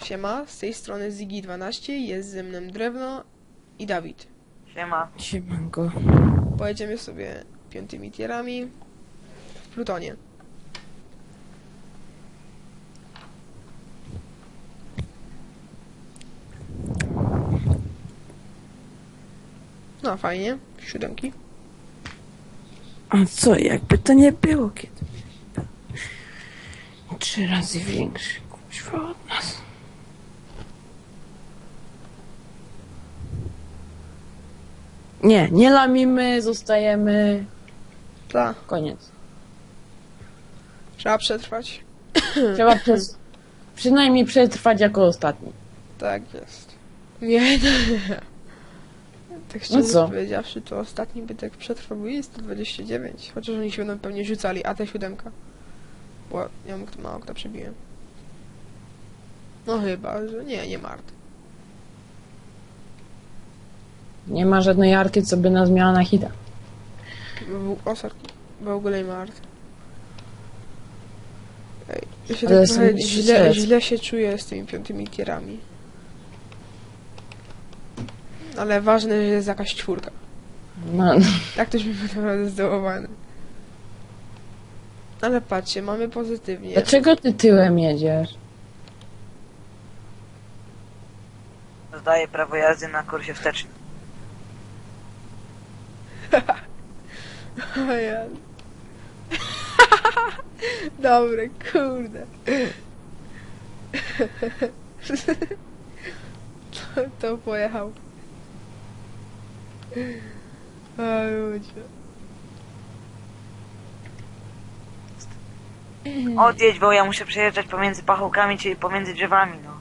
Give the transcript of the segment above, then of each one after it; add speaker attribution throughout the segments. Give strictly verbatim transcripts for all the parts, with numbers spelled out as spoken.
Speaker 1: Siema, z tej strony Ziggy dwanaście, jest ze mną Drewno i Dawid.
Speaker 2: Siema.
Speaker 3: Siemanko.
Speaker 1: Pojedziemy sobie piątymi tierami w Plutonie. No fajnie, siódemki.
Speaker 3: A co, jakby to nie było kiedy? Trzy razy większy, kuźwa, od nas. Nie, nie lamimy, zostajemy.
Speaker 1: Tak,
Speaker 3: Koniec.
Speaker 1: trzeba przetrwać.
Speaker 3: Trzeba przez, przynajmniej przetrwać jako ostatni.
Speaker 1: Tak jest. Nie, no. Tak szczerze
Speaker 3: No co?
Speaker 1: powiedziawszy, to ostatni by tak przetrwał, bo jest sto dwadzieścia dziewięć. Chociaż oni się będą pewnie rzucali, a te siódemka. Bo ja mu kto mało kto przebiłem. No chyba, że nie, nie Mart.
Speaker 3: Nie ma żadnej arty, co by nas miała na hita.
Speaker 1: Bo był Osar, w ogóle Mart. Ej, ja się
Speaker 3: Ale
Speaker 1: tak
Speaker 3: są
Speaker 1: trochę
Speaker 3: trzy
Speaker 1: źle,
Speaker 3: set.
Speaker 1: źle się czuję z tymi piątymi tierami. Ale ważne, że jest jakaś czwórka.
Speaker 3: No,
Speaker 1: Tak też bym był naprawdę zdołowany. Ale patrzcie, mamy pozytywnie.
Speaker 3: dlaczego ty tyłem jedziesz?
Speaker 2: Zdaję prawo jazdy na kursie wstecznym.
Speaker 1: O ja. Dobre, kurde. to, to pojechał. O ludzie.
Speaker 2: Odjedź, bo ja muszę przejeżdżać pomiędzy pachołkami, czyli pomiędzy drzewami, no.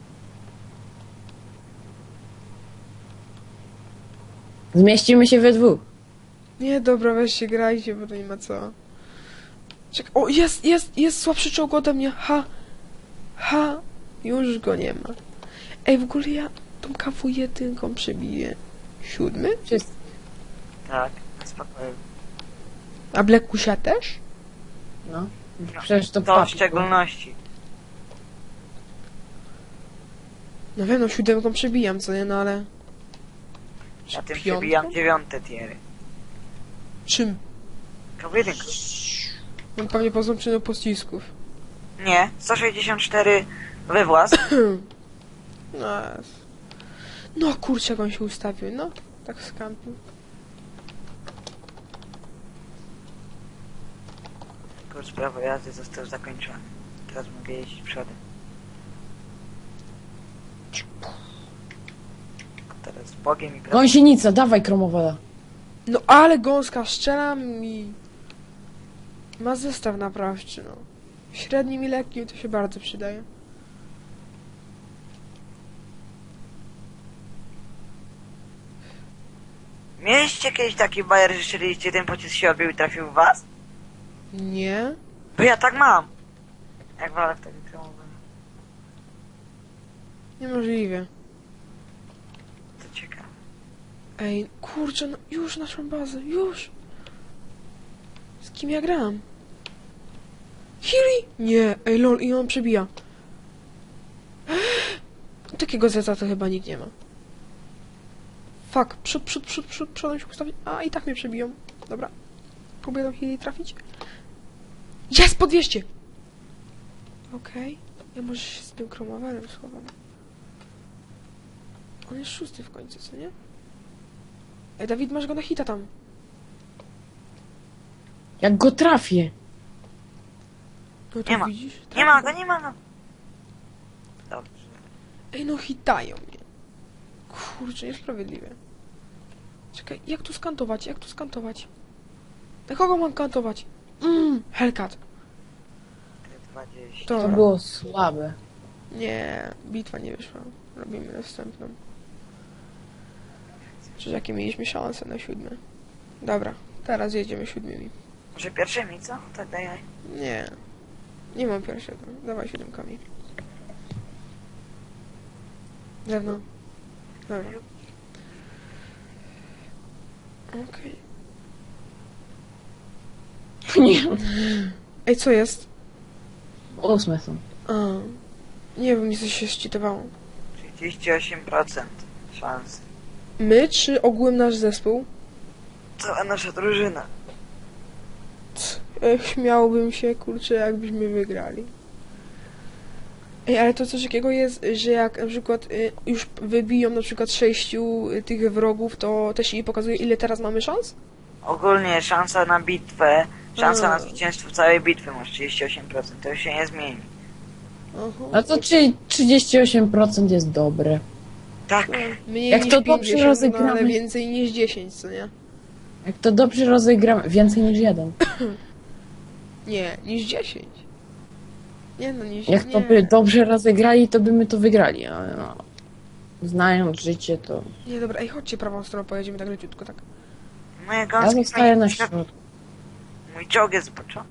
Speaker 3: Zmieścimy się we dwóch.
Speaker 1: Nie, dobra, weź się grajcie, bo to nie ma co. Czekaj, o, jest, jest, jest słabszy czołg ode mnie, ha. Ha, już go nie ma. Ej, w ogóle ja tą kawu jedynką przebiję. Siódmy?
Speaker 3: Wszyscy.
Speaker 2: Tak, spokojnie.
Speaker 1: A Blackusia też?
Speaker 3: No. Przecież to
Speaker 2: To w
Speaker 3: papi.
Speaker 2: szczególności.
Speaker 1: No wiem, no siódemką przebijam, co nie, no ale...
Speaker 2: Ja tym
Speaker 1: Piątką?
Speaker 2: przebijam dziewiąte tiery.
Speaker 1: Czym?
Speaker 2: Kawu jedynka.
Speaker 1: No pewnie poznam przyczyną pocisków.
Speaker 2: Nie, sto sześćdziesiąt cztery wywłaz.
Speaker 1: No, jest. No kurczę, jak on się ustawił, no. Tak skampił.
Speaker 2: Kurs prawo jazdy został zakończony. Teraz mogę jeździć przodem. Teraz z Bogiem i prawem.
Speaker 3: Gąsienica, dawaj kromowala.
Speaker 1: No ale gąska, strzelam mi... Ma zestaw naprawczy, no. Średnim i lekkim to się bardzo przydaje.
Speaker 2: Mieliście kiedyś taki bajer, że strzeliście, ten pocisk się odbił i trafił w was?
Speaker 1: Nie?
Speaker 2: Bo ja tak mam. Jak walę w takim kromowym.
Speaker 1: Niemożliwe.
Speaker 2: To ciekawe.
Speaker 1: Ej, kurczę, no już naszą bazę, już! Z kim ja gram? Hiri? Nie, ej lol, i on przebija. Takiego zeta to chyba nikt nie ma. Fuck, przód, przód, przód, przód, przodem się ustawić. A, i tak mnie przebiją. Dobra. Próbuję do Hiri trafić. Jest, po dwieście! Okej. Ja może się z tym kromowalem schowam. On jest szósty w końcu, co nie? Ej, Dawid, masz go na hita tam.
Speaker 3: Jak go trafię.
Speaker 1: No to
Speaker 2: Nie ma.
Speaker 1: widzisz?
Speaker 2: Nie ma go, nie ma go. Dobrze.
Speaker 1: Ej, no hitają mnie. Kurczę, niesprawiedliwe. Czekaj, jak tu skantować? Jak tu skantować? Na kogo mam kantować? Mmm, Hellcat.
Speaker 2: dwadzieścia.
Speaker 1: To
Speaker 3: To było słabe.
Speaker 1: Nie, bitwa nie wyszła. Robimy następną. Czy jakie mieliśmy szanse na siódme? Dobra, teraz jedziemy siódmymi.
Speaker 2: Może pierwszymi, co? Tak daj.
Speaker 1: Nie. Nie mam pierwszego. Dawaj siódemkami. Zewnątrz. Dobra. Okej.
Speaker 3: Nie.
Speaker 1: Ej, co jest?
Speaker 3: Ósme są.
Speaker 1: A. Nie wiem, nic się szczytowało.
Speaker 2: trzydzieści osiem procent szans.
Speaker 1: My, czy ogółem nasz zespół?
Speaker 2: Cała nasza drużyna.
Speaker 1: Ech, śmiałbym się, kurczę, jakbyśmy wygrali. Ej, ale to coś takiego jest, że jak na przykład y, już wybiją na przykład sześciu y, tych wrogów, to też jej pokazuje, ile teraz mamy szans?
Speaker 2: Ogólnie szansa na bitwę, szansa
Speaker 1: A.
Speaker 2: na zwycięstwo całej bitwy masz trzydzieści osiem procent. To już się nie zmieni.
Speaker 1: Aha.
Speaker 3: A to czy trzydzieści osiem procent jest dobre?
Speaker 2: Tak.
Speaker 1: No, mniej
Speaker 3: Jak
Speaker 1: niż
Speaker 3: to dobrze
Speaker 1: pięćdziesiąt, no, ale
Speaker 3: rozegramy.
Speaker 1: więcej niż dziesięć, co nie?
Speaker 3: Jak to dobrze rozegramy, więcej niż jeden.
Speaker 1: Nie, niż dziesięć. Nie no, niż
Speaker 3: Jak
Speaker 1: nie.
Speaker 3: to by dobrze rozegrali, to by my to wygrali, ale no. Znając życie, to...
Speaker 1: Nie, dobra, ej, chodźcie prawą stroną, pojedziemy tak leciutko, tak.
Speaker 2: Moje
Speaker 3: Ja
Speaker 2: gąski
Speaker 3: zostaję na
Speaker 2: fajnie-
Speaker 3: środku.
Speaker 2: Mój czołg jest zboczony.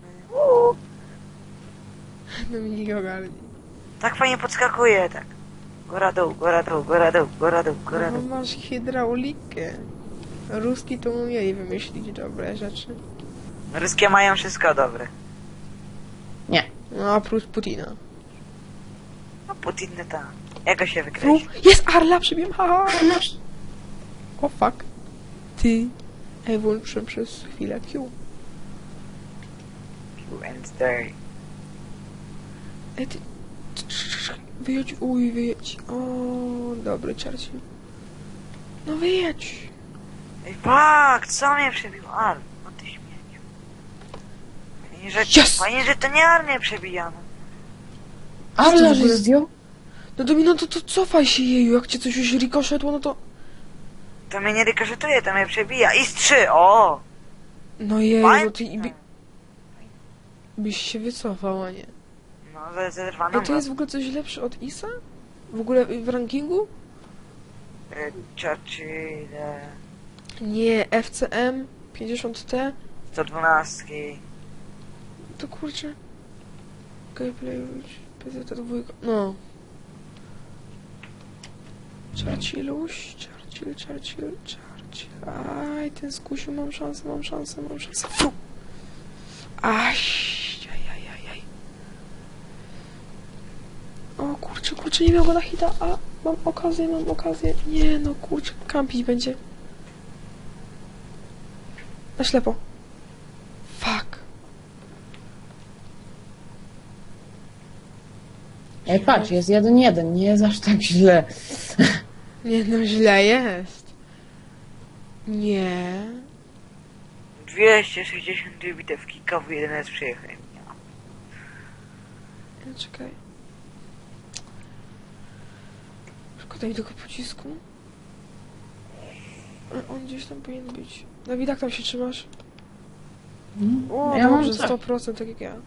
Speaker 1: No mi nie ogarni.
Speaker 2: Tak fajnie podskakuje, tak. Góra dół, góra dół, góra dół, góra dół, góra
Speaker 1: No
Speaker 2: dół.
Speaker 1: masz hydraulikę. Ruski to umieli wymyślić dobre rzeczy.
Speaker 2: Ruskie mają wszystko dobre.
Speaker 3: Nie.
Speaker 1: No, oprócz Putina.
Speaker 2: No Putin tam. Jak go się
Speaker 1: Uf,
Speaker 2: wykreśli?
Speaker 1: jest Arla, przybiłem, haha. O fuck. Ty. Ej, włączyłem przez chwilę Q.
Speaker 2: Q and dirty.
Speaker 1: Ej, ty. Wyjedź, uj, wyjedź. O, dobry Churchill. No wyjedź.
Speaker 2: Ej, fuck, co mnie przebił? Ar, no ty śmieciu. Fajnie, że,
Speaker 1: Yes!
Speaker 2: fajnie, że to nie armię przebijano.
Speaker 3: Ale
Speaker 1: w
Speaker 3: że
Speaker 1: ogóle?
Speaker 3: zdjął?
Speaker 1: No Domino, to, to cofaj się jeju, jak cię coś już rikoszetło, no to...
Speaker 2: To mnie nie rykoszetuje, to mnie przebija. I z trzy, o!
Speaker 1: No jeju,
Speaker 2: Fajnie.
Speaker 1: no ty i by... byś się wycofał, a nie.
Speaker 2: No, ze- zerwano
Speaker 1: Ej, to jest w ogóle coś lepsze od Isa? W ogóle w rankingu?
Speaker 2: Y, Churchill, e,
Speaker 1: Nie, F C M pięćdziesiąt T.
Speaker 2: sto dwanaście.
Speaker 1: To kurczę. Gameplay, P Z dwa. No. Churchilluś, Churchill, Churchill, Churchill. Aj, ten skusiu, mam szansę, mam szansę, mam szansę. Fu! Aj, aj, aj, aj, aj. O kurczę, kurczę, nie miał go na hita, a mam okazję, mam okazję. Nie no, kurczę, kampić będzie. Na ślepo. Fuck.
Speaker 3: Ej, patrz, jest jeden jeden, nie jest aż tak źle.
Speaker 1: Nie no, źle jest. Nie.
Speaker 2: dwieście sześćdziesiąt dwie bitewki, K W jeden S przyjechałem.
Speaker 1: No, czekaj. Szkoda mi tego pocisku. A on gdzieś tam powinien być. Dawid, jak tam się trzymasz? O,
Speaker 3: Ja mam
Speaker 1: dobrze,
Speaker 3: tak.
Speaker 1: sto procent tak jak ja.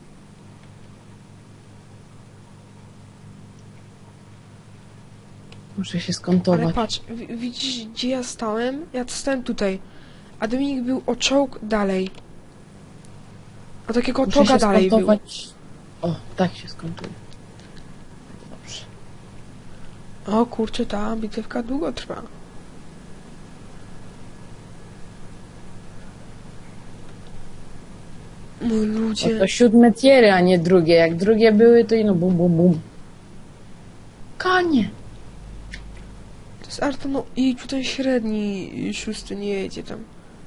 Speaker 3: Muszę się
Speaker 1: Ale
Speaker 3: skontować.
Speaker 1: patrz, wi- widzisz gdzie ja stałem? Ja stałem tutaj. A Dominik był o czołg dalej. A takiego
Speaker 3: Muszę
Speaker 1: czołga
Speaker 3: się
Speaker 1: dalej był.
Speaker 3: skontować. O, tak się skontuje. Dobrze.
Speaker 1: O kurczę, ta bitewka długo trwa. Mój
Speaker 3: O,
Speaker 1: ludzie.
Speaker 3: to siódme tiery, a nie drugie. Jak drugie były, to ino bum, bum, bum. Kanie.
Speaker 1: To jest Arto, no i ten średni szósty nie jedzie tam.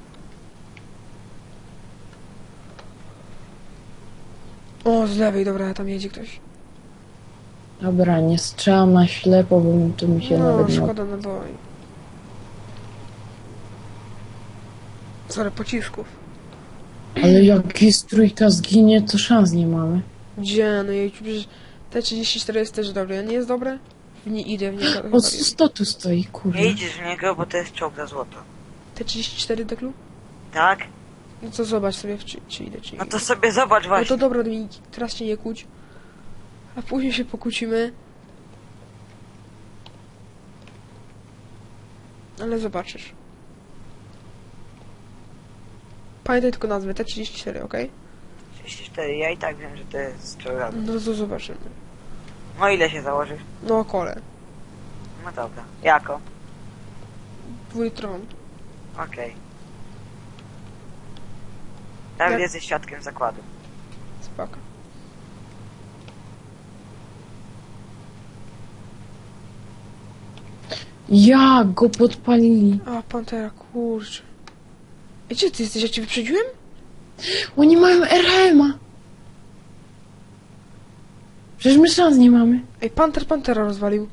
Speaker 1: O, z lewej, dobra, tam jedzie ktoś.
Speaker 3: Dobra, nie strzelam na ślepo, bo mi- to mi się
Speaker 1: No,
Speaker 3: nawet nie...
Speaker 1: szkoda naboi. Sorry, pocisków.
Speaker 3: Ale jak jest trójka zginie, to szans nie mamy.
Speaker 1: Gdzie? No jej, przecież T trzydzieści cztery jest też dobre. Nie jest dobre? Nie idę w niego.
Speaker 3: O, sto tu stoi, kurde.
Speaker 2: Nie idziesz w niego, bo to jest czołg za złoto.
Speaker 1: T trzydzieści cztery deklu?
Speaker 2: Tak?
Speaker 1: No to zobacz sobie, czy, czy idę, czy nie
Speaker 2: No
Speaker 1: idę.
Speaker 2: to sobie zobacz
Speaker 1: No
Speaker 2: właśnie.
Speaker 1: to dobra, Dominik, teraz się nie kłóć. A później się pokłócimy. Ale zobaczysz. Pamiętaj tylko nazwę, T trzydzieści cztery, okej?
Speaker 2: trzydzieści cztery, ja i tak wiem, że to jest czołg za złoto.
Speaker 1: No to zobaczymy.
Speaker 2: No ile się założysz?
Speaker 1: No kole.
Speaker 2: No dobra. Jako?
Speaker 1: Dwójtron.
Speaker 2: Okej. Dawid,
Speaker 1: Jak-
Speaker 2: jesteś świadkiem zakładu.
Speaker 1: Spoko.
Speaker 3: Jak go podpalili?
Speaker 1: A, Pantera, kurczę. Ej, gdzie ty jesteś? Ja cię wyprzedziłem?
Speaker 3: Oni mają R H M-a. Przecież my szans nie mamy.
Speaker 1: Ej, Panter Pantera rozwalił.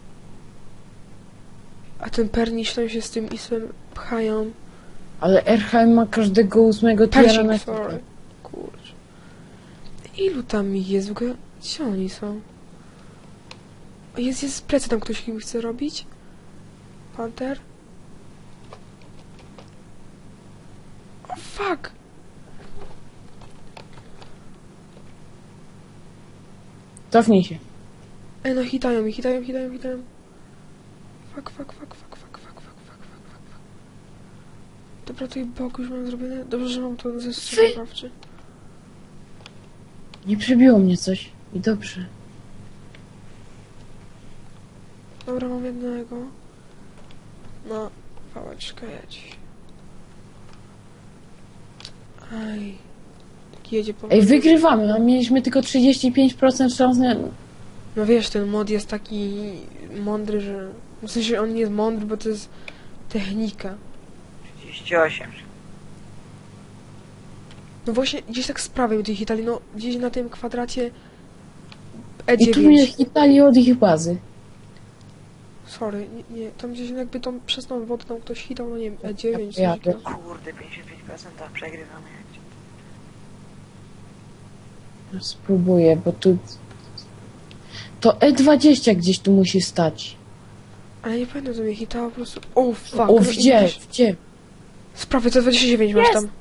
Speaker 1: A ten Perniś tam się z tym Isem pchają.
Speaker 3: Ale R H M ma każdego ósmego tiera na
Speaker 1: Persik,
Speaker 3: ekipie.
Speaker 1: sorry. Kurczę. Ilu tam ich jest w ogóle? Gdzie oni są? O, Jest, jest z plecy tam ktoś im chce robić? Panter? O, fuck!
Speaker 3: Cofnij się.
Speaker 1: Ej, no hitają mi, hitają, hitają, hitają. Fuck, fuck, fuck, fuck, fuck, fuck, fuck, fuck, fuck, fuck, fuck. Dobra, tutaj bok już mam zrobione. Dobrze, że mam to ze strzałowawczy.
Speaker 3: Nie przebiło mnie coś. I dobrze.
Speaker 1: Dobra, mam jednego. No, pałeczka jedź. Aj. Tak jedzie po
Speaker 3: Ej, wygrywamy, a mieliśmy tylko trzydzieści pięć procent szans na...
Speaker 1: No wiesz, ten mod jest taki mądry, że... W sensie on nie jest mądry, bo to jest technika.
Speaker 2: trzydzieści osiem.
Speaker 1: No właśnie, gdzieś tak z prawej tych hitali, no gdzieś na tym kwadracie
Speaker 3: I tu mnie
Speaker 1: E dziewięć.
Speaker 3: hitali od ich bazy.
Speaker 1: Sorry, nie, nie, tam gdzieś jakby tą przez tą wodę tam ktoś hitał, no nie wiem, E dziewięć.
Speaker 3: Ja
Speaker 1: coś takiego.
Speaker 2: Kurde, pięćdziesiąt pięć procent a przegrywamy jak
Speaker 3: No, spróbuję, bo tu... To E dwadzieścia gdzieś tu musi stać.
Speaker 1: Ale nie pamiętam, co mnie hitało po prostu. O, fuck.
Speaker 3: O,
Speaker 1: no i
Speaker 3: gdzie?
Speaker 1: gdzieś-
Speaker 3: Gdzie?
Speaker 1: Z prawej to dwadzieścia dziewięć masz
Speaker 3: Jest!
Speaker 1: tam.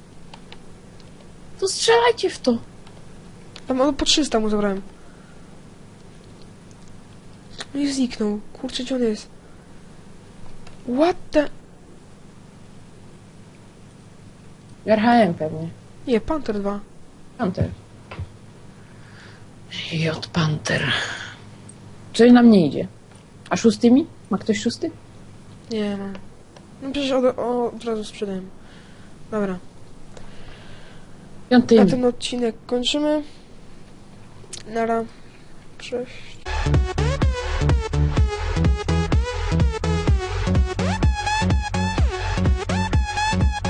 Speaker 3: To strzelajcie w to.
Speaker 1: Tam o, po trzysta mu zabrałem. No i zniknął. Kurczę, gdzie on jest? What the...
Speaker 3: R H M pewnie.
Speaker 1: Nie, Panther dwa.
Speaker 3: Panther. J Panther. Coś nam nie idzie. A szóstymi? Ma ktoś szósty?
Speaker 1: Nie mam. No przecież od, o, od razu sprzedałem. Dobra.
Speaker 3: Piątymi.
Speaker 1: Na ten odcinek kończymy. Nara. Cześć.